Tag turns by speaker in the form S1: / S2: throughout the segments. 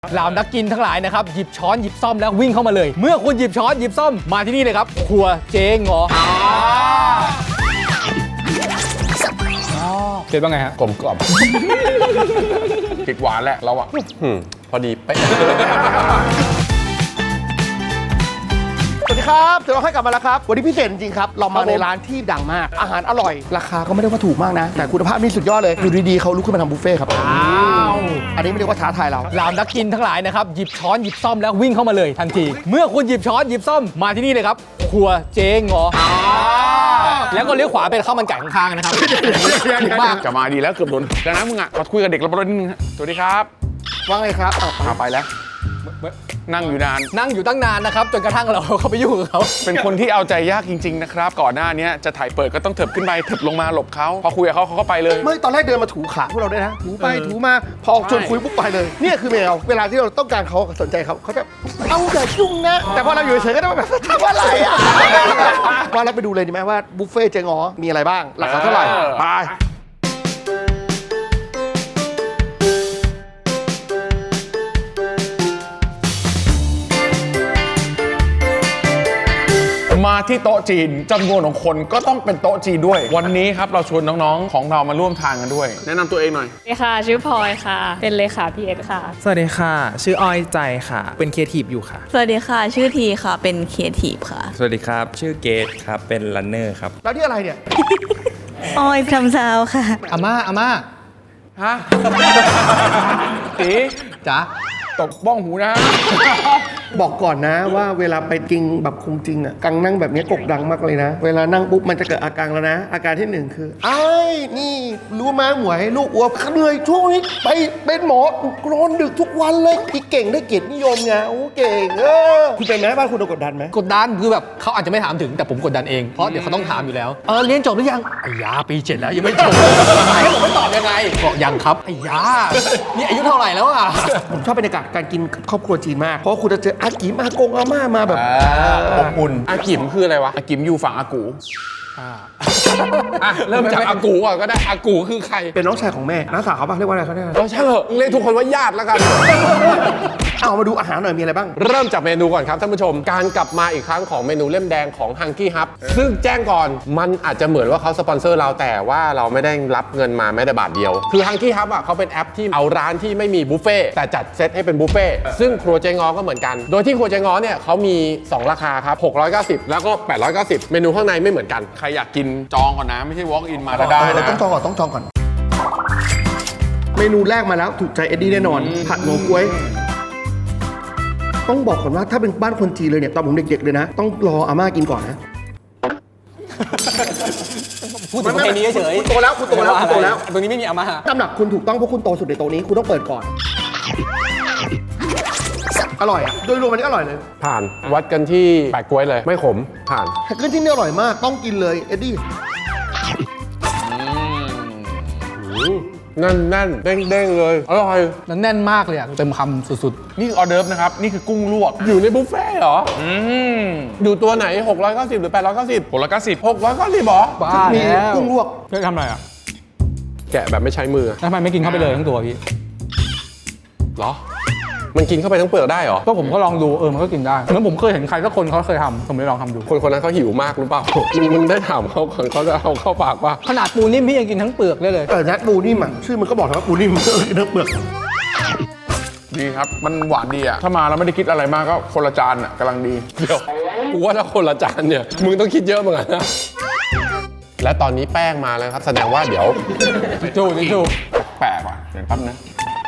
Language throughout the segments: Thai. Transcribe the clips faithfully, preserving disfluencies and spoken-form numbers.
S1: เหล่านักกินทั้งหลายนะครับหยิบช้อนหยิบซ่อมแล้ววิ่งเข้ามาเลยเมื่อคุณหยิบช้อนหยิบซ่อมมาที่นี่เลยครับครัวเจ๊งอเจ๊ว่าไงฮะ
S2: กลมกล่อมติดหวานแหละเราอะพอดีเป๊ะ
S3: สวัสดีครับเดี๋ยวเราให้กลับมาแล้วครับวันนี้พิเศษจริงๆครับเรามาในร้านที่ดังมากอาหารอร่อยราคาก็ไม่ได้ว่าถูกมากนะแต่คุณภาพนี่สุดยอดเลยอยู่ดีๆเขาลุกขึ้นมาทำบุฟเฟ่ครับอ้าวอันนี้ไม่เรียกว่าท้าทายเรา
S1: เหล่านักกินทั้งหลายนะครับหยิบช้อนหยิบซ่อมแล้ววิ่งเข้ามาเลยทันทีเมื่อคุณหยิบช้อนหยิบซ่อมมาที่นี่เลยครับครัวเจ๊งอแล้วก็เลี้ยวขวาเป็นข้าวมันไก่ข้างๆนะครับถูกมาก
S2: จะมาดีแล้วเกือบโดนแล้วนะมึงอะมาคุยกับเด็กเรานิดนึงสวัสดีครับ
S3: ว่าไงครับ
S2: เอาไปแล้วนั่งอยู่นาน
S1: นั่งอยู่ตั้งนานนะครับจนกระทั่งเราเข้าไปยุ่งกับเขา
S2: เป็นคนที่เอาใจยากจริงๆนะครับก่อนหน้านี้จะถ่ายเปิดก็ต้องเถิบขึ้นไปเถิบลงมาหลบเขาพอคุยกับเขาเขาก็ไปเลย
S3: เมื่อตอนแรกเดินมาถูขาพวกเราด้วยนะถูไปถูมาพอชวนคุยปุ๊บไปเลยเนี่ยคือแมวเวลาที่เราต้องการเขาสนใจเขาเขาจะเอาแต่ยุ่งนะแต่พอเราอยู่เฉยๆก็ได้แบบทำอะไรอ่ะว่าเราไปดูเลยดีไหมว่าบุฟเฟ่เจ๊งอมีอะไรบ้างราคาเท่าไหร่ไป
S2: มาที่โต๊ะจีนจำนวนของคนก็ต้องเป็นโต๊ะจีนด้วยวันนี้ครับเราชวนน้องๆของเรามาร่วมทางกันด้วยแนะนำตัวเองหน่อย
S4: สวัสดีค่ะชื่อพลอยค่ะเป็นเลขาพีเอสค่ะ
S5: สวัสดีค่ะชื่ออ้อยใจค่ะเป็นครีเอทีฟอยู่ค่ะ
S6: สวัสดีค่ะชื่อทีค่ะเป็นครีเอทีฟค่ะ
S7: สวัสดีครับชื่อเกตครับเป็นรันเนอร์ครับ
S3: แล้วนี่อะไรเนี่ย
S6: อ้อยทำซาวค่ะ
S1: อาม่าอาม่า
S2: ฮะตี
S1: จ๋า
S2: ตกบ้องหูนะ
S3: บอกก่อนนะว่าเวลาไปกินแบบคงจริงอ่ะกังนั่งแบบนี้กกดังมากเลยนะเวลานั่งปุ๊บมันจะเกิดอาการแล้วนะอาการที่หนึ่งคือไอ้นี่รู้ไหมหมวยลูกอ้วกเหนื่อยช่วงนี้ไปเป็นหมอกรอนดึกทุกวันเลยพี่เก่งได้เกียรตินิยมไงโอ้เก่งเออคุณเป็นไหมบ้านคุณโดนกดดันไหม
S1: กดดันคือแบบเขาอาจจะไม่ถามถึงแต่ผมกดดันเองเพราะเดี๋ยวเขาต้องถามอยู่แล้วเออเรียนจบหรือยังไอ้ยาปีเจ็ดแล้วยังไม่จบให้ผมไม่ตอบยังไงบอกยังครับไอ้ยานี่อายุเท่าไหร่แล้วอ่ะ
S3: ผมชอบบรรยากาศการกินครอบครัวจีนมากเพราะคุณจะเจออากิมากงอาม่ามาแบบ
S2: อบอุ่นอากิมคืออะไรวะอากิมอยู่ฝั่งอากูเริ่มจากอากูก่อนก็ได้อากูคือใคร
S3: เป็นน้องชายของแม่น้าสาวเขาปะเรียกว่าอะไรเขาเนี่ย
S2: เออใช่เหรอเรียกทุกคนว่าญาติแล้วกัน
S3: เอามาดูอาหารหน่อยมีอะไรบ้าง
S2: เริ่มจากเมนูก่อนครับท่านผู้ชมการกลับมาอีกครั้งของเมนูเล่มแดงของ Hungry Hub ซึ่งแจ้งก่อนมันอาจจะเหมือนว่าเขาสปอนเซอร์เราแต่ว่าเราไม่ได้รับเงินมาแม้แต่บาทเดียวคือ Hungry Hub อ่ะเขาเป็นแอปที่เอาร้านที่ไม่มีบุฟเฟ่แต่จัดเซตให้เป็นบุฟเฟ่ซึ่งครัวเจ๊งอก็เหมือนกันโดยที่ครัวเจ๊งอเนี่ยเขามีสองราคาครับหกร้อยเก้าสิบแล้วก็แปดร้อยเก้าสิบเมนูข้างในไม่เหมือนกันใครอยากกินจองก่อนนะไม่ใช่ walk in มาได้นะ
S3: ต้องจองก่อนต้องจองก่อนเมนูแรกมาแล้วถูกใจเอ็ดดี้แน่นอนผัดโงก๊วยต้องบอกก่อนว่าถ้าเป็นบ้านคนจีนเลยเนี่ยตอนผมเด็กๆเลยนะต้องรออาม่ากินก่อนนะ
S1: พูดถึงประเพณีเฉย
S3: คุณโตแล้วคุณโตแล้วคุณโตแล้ว
S1: ตรงนี้ไม่มีอาม่า
S3: ตำหนักคุณถูกต้องเพราะคุณโตสุดในโต๊ะนี้คุณต้องเปิดก่อนอร่อยอ่ะโดยรวมมันนี้อร่อยเลย
S2: ผ่านวัดกันที่แปะกล้วยเลยไม่ขมผ่าน
S3: แฮกเกอร์ที่นี่อร่อยมากต้องกินเลยเอ็ดดี้
S2: แน่นแน่นเด้งเด้งเลยอร่อย
S1: แล้วแน่นมากเลยอ่ะเต็มคำสุด
S2: ๆนี่ออเดิร์ฟนะครับนี่คือกุ้งลวกอยู่ในบุฟเฟ่เหรออืมอยู่ตัวไหนหกร้อยเก้าสิบหรือแปดร้อยเก้าสิบหกร้อยเก้าสิบ หกร้อยเก้าสิบหรอ
S1: บ้าแล้ว
S3: กุ้งลวก
S1: เพื่อทำอะไรอ่ะ
S2: แกะแบบไม่ใช้มือ
S1: ทำไมไม่กินเข้าไปเลยทั้งตัวพี่
S2: หรอมันกินเข้าไปทั้งเปลือกได้เหรอ
S1: ก็ผมก็ลองดูเออมันก็กินได้เหมือนผมเคยเห็นใครสักคนเขาเคยทำผมเลยลองทำดู
S2: คนคนนั้นเขาหิวมากหรือเปล่ามึงมึงได้ถามเขาก่อนเขาจะเอาเข้าปากป่ะ
S1: ขนาดปูนิ่มพี่ยังกินทั้งเปลือกได้เลย
S3: เออนัดปูนิ่มอ่ะชื่อมันก็บอกแล้วว่าปูนิ่มกินทั้งเปลือก
S2: ดีครับมันหวานดีอ่ะถ้ามาแล้วไม่ได้คิดอะไรมากก็คนละจานอ่ะกำลังดีเดี๋ยวกูว่าถ้าคนละจานเนี่ยมึงต้องคิดเยอะเหมือนกันนะและตอนนี้แป้งมาแล้วครับแสดงว่าเดี๋ยว
S1: จูจู
S2: แปลกว่ะเดี๋ยวแป๊บนะ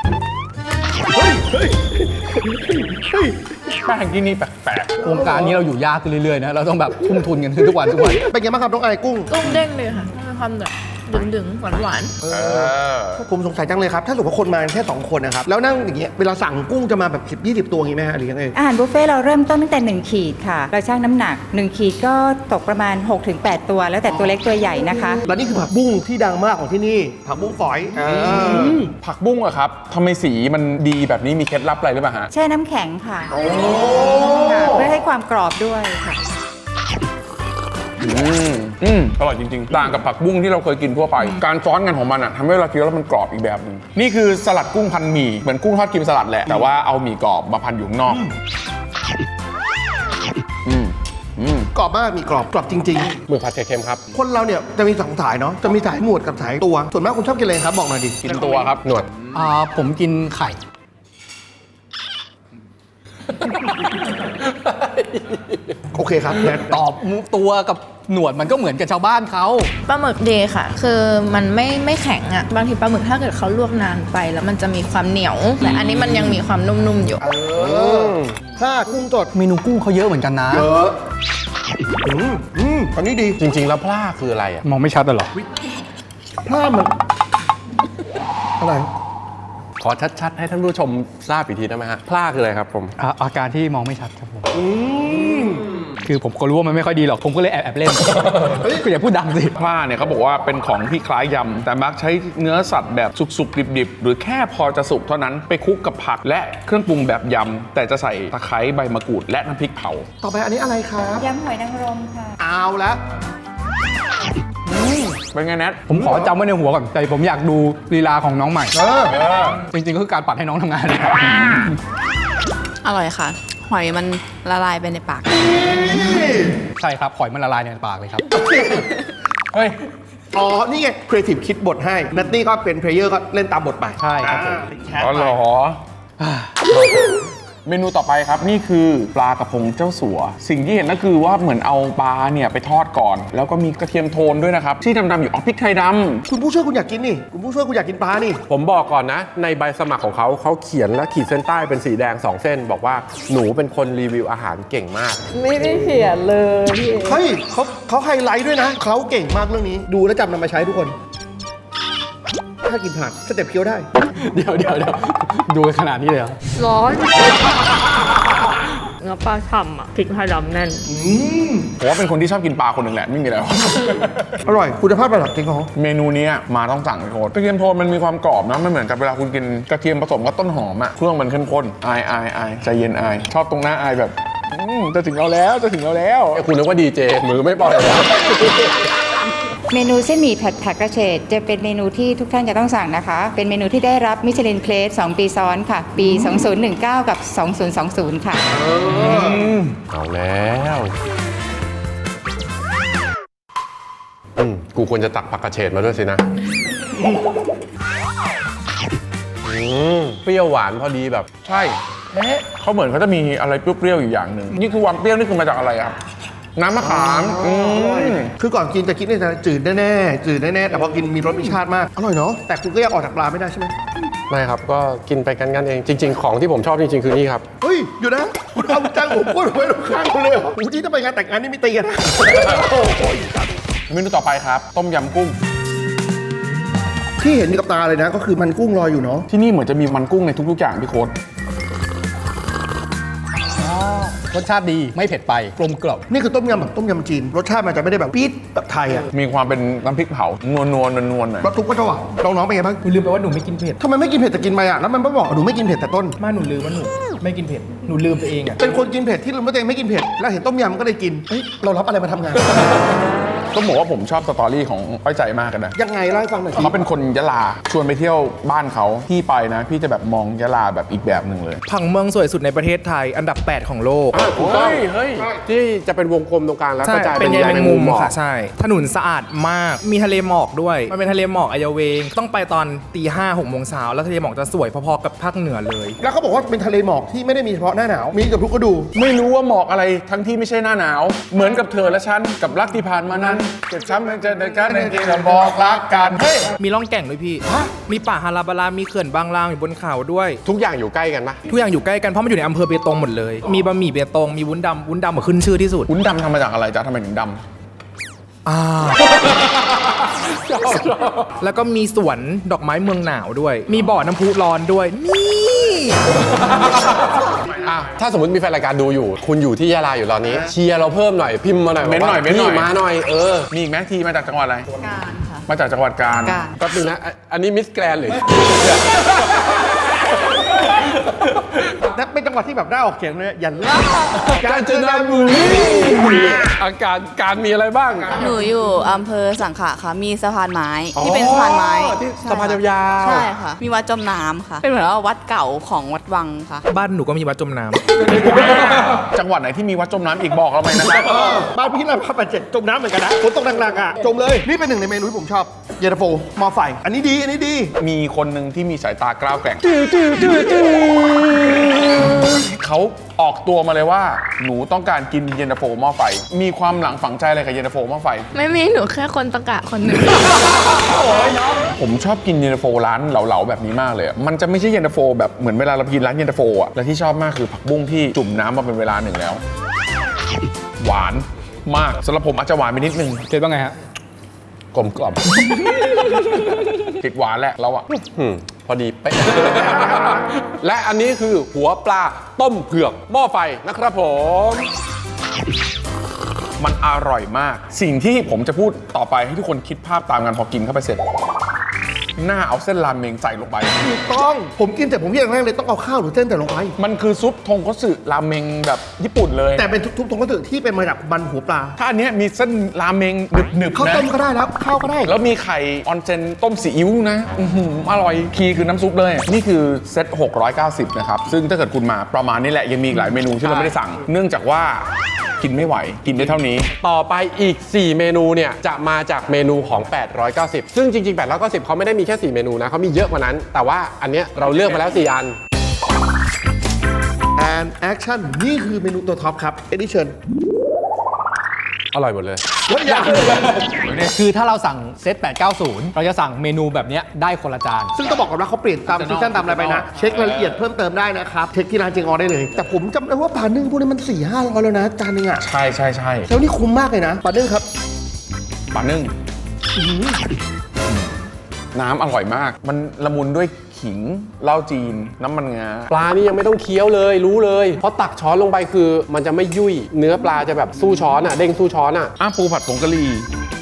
S2: แป้งที่นี่แปลก
S1: ๆโครงการนี้เราอยู่ยากขึ้นเรื่อยๆนะเราต้องแบบทุ่มทุนกันขึ้นทุกวันทุกวัน
S3: เป็นไงบ้างครับน้องไอ้กุ้ง
S4: กุ้งเด้งเลยค่ะมีความแบบดึงๆหวานหวาน
S3: ผมสงสัยจังเลยครับถ้าสมมติว่าคนมาแค่สองคนนะครับแล้วนั่งอย่างเงี้ยเวลาสั่งกุ้งจะมาแบบสิบ ยี่สิบตัวอย่างงี้ไหมฮะหรือยังไง
S6: อาหารบุฟเฟ่เราเริ่มต้นตั้งแต่หนึ่งขีดค่ะเราชั่งน้ำหนักหนึ่งขีดก็ตกประมาณ หกถึงแปด ตัวแล้วแต่ตัวเล็กตัวใหญ่นะคะ
S3: แล้วนี่คือผักบุ้งที่ดังมากของที่นี่ผักบุ้งฝอย
S2: ผักบุ้งอะครับทำไมสีมันดีแบบนี้มีเคล็ดลับอะไรหรือเปล่าฮะ
S6: แช่น้ำแข็งค่ะเพื่อให้ความกรอบด้วยค่ะ
S8: อืมอืมอร่อยจริงๆต่างกับผักบุ้งที่เราเคยกินทั่วไป การซ้อนกันของมันอ่ะทำให้เราเคี้ยวแล้วมันกรอบอีกแบบหนึงนี่คือสลัดกุ้งพันหมี่เหมือนกุ้งทอดกิมสลัดแหละแต่ว่าเอาหมี่กรอบมาพันอยู่ข้างนอกอืมอืม
S3: กรอบมากมีกรอบกรอบจริง
S2: หมึกผัดไข่เค็มครับ
S3: ๆ คนเราเนี่ยจะมีสองสายเนาะจะมีสายหนวดกับสายตัว ส่วนมากคุณชอบกินอะไรครับบอกหน่อยดิ
S8: กินตัวครับ
S2: หนวด
S1: อ่าผมกินไข่
S3: โอเคครับแนท
S1: ตอบตัวกับหนวดมันก็เหมือนกับชาวบ้านเขา
S4: ปลาหมึกดีค่ะ คือมันไม่ไม่แข็งอะบางทีปลาหมึกถ้าเกิดเขาลวกนานไป แล้วมันจะมีความเหนียว แต่อันนี้มันยังมีความนุ่มๆอยู่
S3: ถ้ากุ้งสด
S1: เมนูกุ้งเขาเยอะเหมือนกันนะ
S3: เยอะอืมอืมอันนี้ดี
S2: จริง ๆ แล้วพล่าคืออะไรอ่ะ
S1: มองไม่ชัดเหรอ
S3: พลาดมันอะไร
S2: ขอชัดๆให้ท่านผู้ชมทราบอีกทีได้ไหมฮะพล่าคืออะไรครับผม
S1: อ่าอาการที่มองไม่ชัดครับผมคือผมก็รู้ว่ามันไม่ค่อยดีหรอก ผมก็เลยแอบแอบเล่นก็อย่าพูดดังสิ
S8: พล่าเนี่ยเขาบอกว่าเป็นของที่คล้ายยำแต่มักใช้เนื้อสัตว์แบบสุกๆดิบๆหรือแค่พอจะสุกเท่านั้นไปคลุกกับผักและเครื่องปรุงแบบยำแต่จะใส่ตะไคร้ใบมะกรูดและน้ำพริกเผา
S3: ต่อไปอันนี้อะไรครับ
S6: ยำหอยนางรมค่ะ
S3: เอาละ
S8: เป็นไงแนท
S1: ผมขอจำไว้ในหัวก่อน แต่ผมอยากดูลีลาของน้องใหม่
S3: เออ
S1: จริงๆก็คือการปัดให้น้องทำงาน
S9: อร่อยค่ะ หอยมันละลายไปในปาก
S1: ใช่ครับหอยมันละลายในปากเลยครับ
S8: เฮ้ย
S3: อ๋อ นี่ไงครีเอทีฟคิดบทให้นัตตี้ก็เป็นเพลเยอร์ก็เล่นตามบทไป
S1: ใช่ครับผม
S8: อ๋อเหรอ เมนูต่อไปครับนี่คือปลากระพงเจ้าสัว สิ่งที่เห็นก็คือว่าเหมือนเอาปลาเนี่ยไปทอดก่อน แล้วก็มีกระเทียมโทนด้วยนะครับ ที่ดำๆอยู่อ๋อพริกไทยดำ
S3: คุณผู้ช่วยคุณอยากกินนี่ คุณผู้ช่วยคุณอยากกินปลานี่
S2: ผมบอกก่อนนะ ในใบสมัครของเขาเขาเขียนและขีดเส้นใต้เป็นสีแดงสองเส้น บอกว่าหนูเป็นคนรีวิวอาหารเก่งมาก
S9: ไม่ได้เขียนเลยพี่
S3: เฮ้ยเขาเขาไฮไลท์ด้วยนะ เขาเก่งมากเรื่องนี้ ดูแล้วจำนำมาใช้ทุกคน ถ้ากินผักสเต็ปเคี้ยวได้
S1: เดี๋ยวเดี๋ยวเดี๋ยวดูขนาดนี้เลยเหรอ
S9: ร้อนเนื้อปลาฉ่ำอ่ะพริกไทยดำแน่น
S8: ผมว่าเป็นคนที่ชอบกินปลาคนหนึ่งแหละไม่มีอะไรหรอก
S3: อร่อย คุณภาพระดับจริงของเขา
S8: เมนูเนี้ยมาต้องสั่งเลยโค้ดกระเทียมโทนมันมีความกรอบนะไม่เหมือนกับเวลาคุณกินกระเทียมผสมกับต้นหอมอะเครื่องมันเข้มข้นอายอายอายใจเย็นอายชอบตรงหน้าอายแบบอืมจะถึงเราแล้วจะถึงเราแล้ว
S2: ไอ้คุณนึกว่าดีเจมือไม่ปล่อยเลย
S6: เมนูเส้นหมี่ผัดผักกระเฉดจะเป็นเมนูที่ทุกท่านจะต้องสั่งนะคะ เป็นเมนูที่ได้รับมิชลินเพลสสองปีซ้อนค่ะ ปี สองพันสิบเก้า กับ สองพันยี่สิบ ค่ะ
S2: เอาแล้วอืมกูควรจะตักผักกระเฉดมาด้วยสินะอืมเปรี้ยวหวานพอดีแบบ
S8: ใช่เอ๊ะเขาเหมือนเขาจะมีอะไรเปรี้ยวๆอยู่อย่างหนึ่งนี่คือความเปรี้ยวนี่คือมาจากอะไรครับน้ำมะขามอืม
S3: คือก่อนกินจะคิดในใจจืดแน่ๆ จืดแน่ๆ แต่พอกินมีรสมีชาติมาก อร่อยเนาะ แต่คุณก็ยังออกจากปลาไม่ได้ใช่ไหม
S2: ไม่ครับ ก็กินไปกันกันเอง จริง ๆ ของที่ผมชอบจริง ๆ คือนี่ครับ
S3: เฮ้ย อยู่นะ คุณเอาจ้างผมพูดไว้ตรงข้างคุณเลยเหรอโอ้ที่ถ้าไปงานแต่งงานนี่ไม่ตีกัน
S8: เมนูต่อไปครับ ต้มยำกุ้ง
S3: ที่เห็นกับตาเลยนะ ก็คือมันกุ้งลอยอยู่เนาะ
S8: ที่นี่เหมือนจะมีมันกุ้งในทุกๆอย่างพี่โค้ด
S1: รสชาติดีไม่เผ็ดไปกลมกล่อม
S3: นี่คือต้มยำแบบต้มยำจีน รสชาติมันจะไม่ได้แบบปี๊ดแบบไทยอะ
S8: มีความเป็นน้ำพริกเผานวลนวลนวลๆหน่อย
S3: รสทุกก็จะหวานน้องๆเป็นไงบ้าง
S5: คุณลืมไปว่าหนูไม่กินเผ็ด
S3: ทำไมไม่กินเผ็ดแต่กินไปอะแล้วมันไม่บอกหนูไม่กินเผ็ดแต่ต้น
S5: มาหนูลืมว่าหนูไม่กินเผ็ด หนูลืมไปเองอ่ะ
S3: เป็นคนกินเผ็ดที่ลืมว่าตัวเองไม่กินเผ็ด แล้วเห็นต้มยำก็เลยกินเฮ้ยเรารับอะไรมาทำงาน
S8: ต้องบอกว่าผมชอบสตอรี่ของอ้อยใจมากกันนะ
S3: ยังไงเล่าให้ฟังหน่อยสิ
S8: เขาเป็นคนยะลาชวนไปเที่ยวบ้านเขาพี่ไปนะ พี่จะแบบมองยะลาแบบอีกแบบหนึ่งเลย
S5: ผังเมืองสวยสุดในประเทศไทย อันดับ แปด ของโลก
S2: ถูกต้อง
S8: เฮ้ย
S2: ที่จะเป็นวงกลมตรงกลางแล้ว
S5: ใช่
S2: กระจาย
S5: เป็
S2: เป็น น
S5: ใย
S2: ใย
S5: แม
S2: แม
S5: ง
S2: ง
S5: มุ
S2: มุ
S5: ม
S2: มหมอก
S5: ค่ะ ใช่ ถนนสะอาดมาก มีทะเลหมอกด้วย มันเป็นทะเลหมอกอายาเวง ต้องไปตอนตีห้าหกโมงเช้าแล้วทะเลหมอกจะสวยพอๆกับภาคเหนือเลย
S3: แล้วเขาบอกว่าเป็นทะเลหมอกที่ไม่ได้มีเฉพาะหน้าหนาว มีกับทุกฤดู
S8: ไม่รู้ว่าหมอกอะไรทั้งที่ไม่ใช่หน้าหนาว เหมือนกับเธอและฉันกับรักที่ผ่านมานั้นเจ็บช้ำยังเจอในการในที่เราบอกรักกันเฮ้ย
S5: มีร่องแก่งด้วยพี่ มีป่าฮาราบารา มีเขื่อนบางลางอยู่บนเขาด้วย
S2: ทุกอย่างอยู่ใกล้กันปะ
S5: ทุกอย่างอยู่ใกล้กันเพราะมันอยู่ในอำเภอเบตงหมดเลย มีบะหมี่เบตง มีวุ้นดำวุ้นดำมาขึ้นชื่อที่สุด
S8: วุ้นดำทำมาจากอะไรจ๊ะทำไมถึงด
S5: อ่า แล้วก็มีสวนดอกไม้เมืองหนาวด้วย มีบ่อน้ำพุร้อนด้วย นี่
S2: อ่ะถ้าสมมติมีแฟนรายการดูอยู่ คุณอยู่ที่ยะลาอยู่ตอนนี้ เชียร์เราเพิ่มหน่อยพิมพ์มาหน่อย
S8: เม้นหน่อย
S2: ว่า
S8: เม้นหน่อย
S2: พี่มาหน่อยเออ
S8: ำมีอีกไหมทีมาจากจังหวัดอะไร
S9: การค่ะ
S8: มาจากจังหวัดกาญ
S9: การ
S2: แป๊บนึงนะอ่ะอันนี้มิสแกรนหรือ
S3: นั่นเป็นจังหวะที่แบบน่าออกเสียงเลยอย่าล่าก
S2: าญจนบุรีอาการการมีอะไรบ้าง
S9: หนูอยู่อำเภอสังขะค่ะ มีสะพานไม้ที่เป็นสะพานไม้
S2: ที่
S9: ใช่
S2: สะพานยาวๆ
S9: ใช่ค่ะ มีวัดจมน้ำค่ะ เป็นเหมือนว่าวัดเก่าของวัดวังค่ะ
S5: บ้านหนูก็มีวัดจมน้ำ
S8: จังหวัดไหนที่มีวัดจมน้ำอีกบอกเราไหมนะครับ
S3: บ้านพี่เราพับแปดเจ็ดจมน้ำเหมือนกันนะฝนตกหนักๆอ่ะจมเลย นี่เป็นหนึ่งในเมนูที่ผมชอบเย็นตาโฟหม้อไฟ อันนี้ดีอันนี้ดี
S8: มีคนหนึ่งที่มีสายตากล้าวแกร่งเขาออกตัวมาเลยว่าหนูต้องการกินเย็นตาโฟหม้อไฟ มีความหลังฝังใจอะไรกับเย็นตาโฟหม้อไฟ
S4: ไม่มีหนูแค่คนตะกะคนหนึ่ง
S8: ผมชอบกินเย็นตาโฟร้านเหลาๆแบบนี้มากเลยอะมันจะไม่ใช่เย็นตาโฟแบบเหมือนเวลาเรากินร้านเย็นตาโฟอ่ะและที่ชอบมากคือผักบุ้งที่จุ่มน้ำมาเป็นเวลาหนึ่งแล้ว หวานมากสำหรับผมอาจจะหวานไปนิดนึง
S1: เจ็ดว่าไงฮะ
S2: กลมกล่อม
S8: ติดหวานแหละเราอะ
S2: อืมพอดีเป๊ะ และอันนี้คือหัวปลาต้มเผือกหม้อไฟนะครับผม
S8: มันอร่อยมาก สิ่งที่ผมจะพูดต่อไปให้ทุกคนคิดภาพตามกันพอกินเข้าไปเสร็จ หน้าเอาเส้นรามเมงใส่ลงไป
S3: ถูกต้องผมกินแต่ผมพี่อย่างแรกเลยต้องเอาข้าวหรือเส้นแต่ลงไป
S8: มันคือซุปทงคัตสึรามเมงแบบญี่ปุ่นเลย
S3: แต่เป็นทุกๆตรงก็ถือที่เป็นมาจากมันหัวปลา
S8: ถ้าอันเนี้ยมีเส้นรามเมงหนึบๆ
S3: ข้าว
S8: นะ
S3: ต้มก็ได้แล้วข้าวก็ได้
S8: แล้วมีไข่ออนเซนต้มซีอิ๊วนะอื้อหืออร่อยคีย์คือน้ำซุปเลย นี่คือเซตหกร้อยเก้าสิบนะครับ ซึ่งถ้าเกิดคุณมาประมาณนี้แหละ ยังมีอีกหลายเมนูที่เราไม่ได้สั่ง เนื่องจากว่ากินไม่ไหวกินได้เท่านี้
S2: ต่อไปอีก สี่ เมนูเนี่ย จะมาจากเมนูของ แปดร้อยเก้าสิบ ซึ่งจริงๆ แปดร้อยเก้าสิบ เขาไม่ได้มีแค่ สี่ เมนูนะเขามีเยอะกว่านั้น แต่ว่าอันเนี้ยเราเลือกมาแล้ว สี่ อัน
S3: and action นี่คือเมนูตัวท็อปครับ edition
S2: อร่อยหมดเลย
S3: แล้วอย่าง
S1: คือถ้าเราสั่งเซตแปดเก้าศูนย์เราจะสั่งเมนูแบบเนี้ยได้คนละจาน
S3: ซึ่งต้องบอกก่อนว่าเขาเปลี่ยนตามซีซั่นตามอะไรไปนะ เช็ครายละเอียดเพิ่มเติมได้นะครับเช็คที่ร้านเจงออได้เลย แต่ผมจำได้ว่าปลานึ่งพวกนี้มันสี่ห้าร้อยแล้วนะจานนึงอ่ะ
S8: ใช่ใช่ใช่
S3: แล้วนี่คุ้มมากเลยนะปลานึ่งครับ
S8: ปลานึ่งน้ำอร่อยมาก มันละมุนด้วยขิงเหล้าจีน น้ำมันงา
S2: ปลานี่ยังไม่ต้องเคี้ยวเลยรู้เลย เพราะตักช้อนลงไปคือมันจะไม่ยุ่ย เนื้อปลาจะแบบสู้ช้อนอ่ะเด้งสู้ช้อนอ่ะ
S8: อ้าปูผัดผงกะหรี่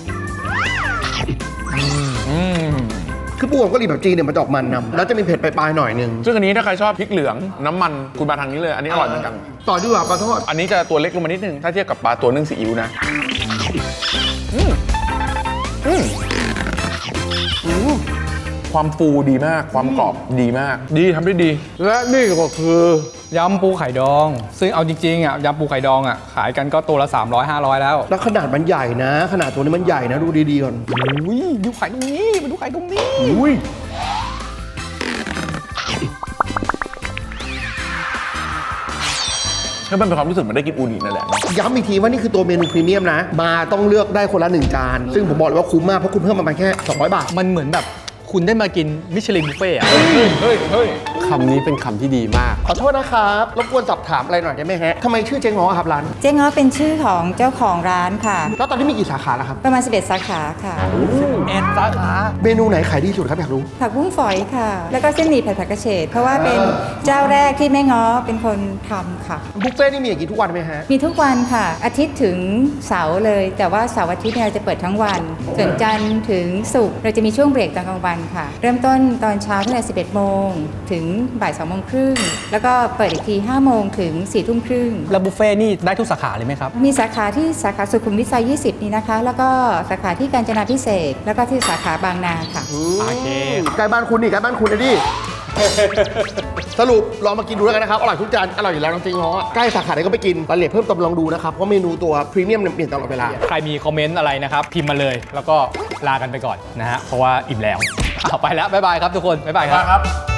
S3: คือปูของกะหรี่แบบจีนเนี่ยมันจะออกมันนำแล้วจะมีเผ็ดปลายๆหน่อยนึง
S8: ซึ่งอันนี้ถ้าใครชอบพริกเหลืองน้ำมันคุณมาทางนี้เลย อันนี้อร่อยเหมือนกัน
S3: ต่อดีกว่าปลาทอด
S8: อันนี้จะตัวเล็กลงมานิดนึง ถ้าเทียบกับปลาตัวนึ่งซีอิ๊วนะอืมอืมอืมความฟูดีมาก ความกรอบดีมาก ดีทำได้ดี
S2: และนี่ก็คือย
S1: ำปูไข่ดอง ซึ่งเอาจริงๆอ่ะยำปูไข่ดองอ่ะขายกันก็ตัวละ สามร้อย ห้าร้อย แล้ว
S3: แล้วขนาดมันใหญ่นะ ขนาดตัวนี้มันใหญ่นะดูดีๆก่อน
S1: อุ้ยดูไข่ตรงนี้มาดูไข่ตรงนี้
S8: อุ้ยแล้วมันเป็นความรู้สึกเหมือนได้กินอูนินั่นแหละ
S3: ย้ำอีกทีว่านี่คือตัวเมนูพรีเมียมนะ มาต้องเลือกได้คนละหนึ่งจาน ซึ่งผมบอกเลยว่าคุ้มมากเพราะคุณเพิ่มมาแค่สองร้อยบาท
S1: มันเหมือนแบบคุณได้มากินมิชลินบุฟเฟ่ต์อะ
S8: เฮ้ยเฮ้ยเฮ้ย
S2: คำนี้เป็นคำที่ดีมาก
S3: ขอโทษนะครับรบกวนสอบถามอะไรหน่อยได้ไหมฮะทำไมชื่อเจ๊ง้อครับร้าน
S6: เจ๊ง้อเป็นชื่อของเจ้าของร้านค่ะ
S3: แล้วตอนนี้มีกี่สาขาแล้วครับ
S6: ประมาณสิบเอ็ดสาขาค่ะ
S1: เอ็ดสาขา
S3: เมนูไหนขายดีสุดครับอยากรู้
S6: ผักบุ้งฝอยค่ะ แล้วก็เส้นหมี่ผัดผักกระเฉดเพราะว่าเป็นเจ้าแรกที่แม่ง้อเป็นคนทำค่ะ
S3: บุฟเฟ่ต์นี่มีอย่างนี้ทุกวันไหมฮะ
S6: มีทุกวันค่ะ อาทิตย์ถึงเสาร์เลย แต่ว่าเสาร์อาทิตย์เนี่ยเราจะเปิดทั้งวัน ส่วนจันทร์ถึงศุกร์เราจะมีช่วงเบรกตอนกลางวันค่ะ เริ่มต้นตอนเช้าตั้งแต่สิบเอ็ดโมงถึงบ่ายสองโมงครึ่งแล้วก็เปิดอีกทีห้าโมงถึงสี่ทุ่มครึ่ง
S1: แล้วบุฟเฟ่ต์นี่ได้ทุกสาขาเลยไหมครับ
S6: มีสาขาที่สาขาสุขุมวิทซอยยี่สิบนี่นะคะ แล้วก็สาขาที่กาญจนาภิเษกแล้วก็ที่สาขาบางนาค่ะ
S1: โอเค
S3: ใกล้บ้านคุณนี่ใกล้บ้านคุณนะดิ สรุปลองมากินดูแล้วกันนะครับ อร่อยทุกจาน อร่อยอยู่แล้วจริงๆเพราะว่าใกล้สาขาไหนก็ไปกินรายละเอียดเพิ่มเติมลองดูนะครับ เพราะเมนูตัวพรีเมียมเนี่ยเปลี่ยนตลอดเวลา
S1: ใครมีคอมเมนต์อะไรนะครับ พิมพ์มาเลย แล้วก็ลากันไปก่อนนะฮะ เพราะว่าอิ่มแล้วเอาไปแล้ว บ๊ายบายครับทุกคน บ๊ายบายครับ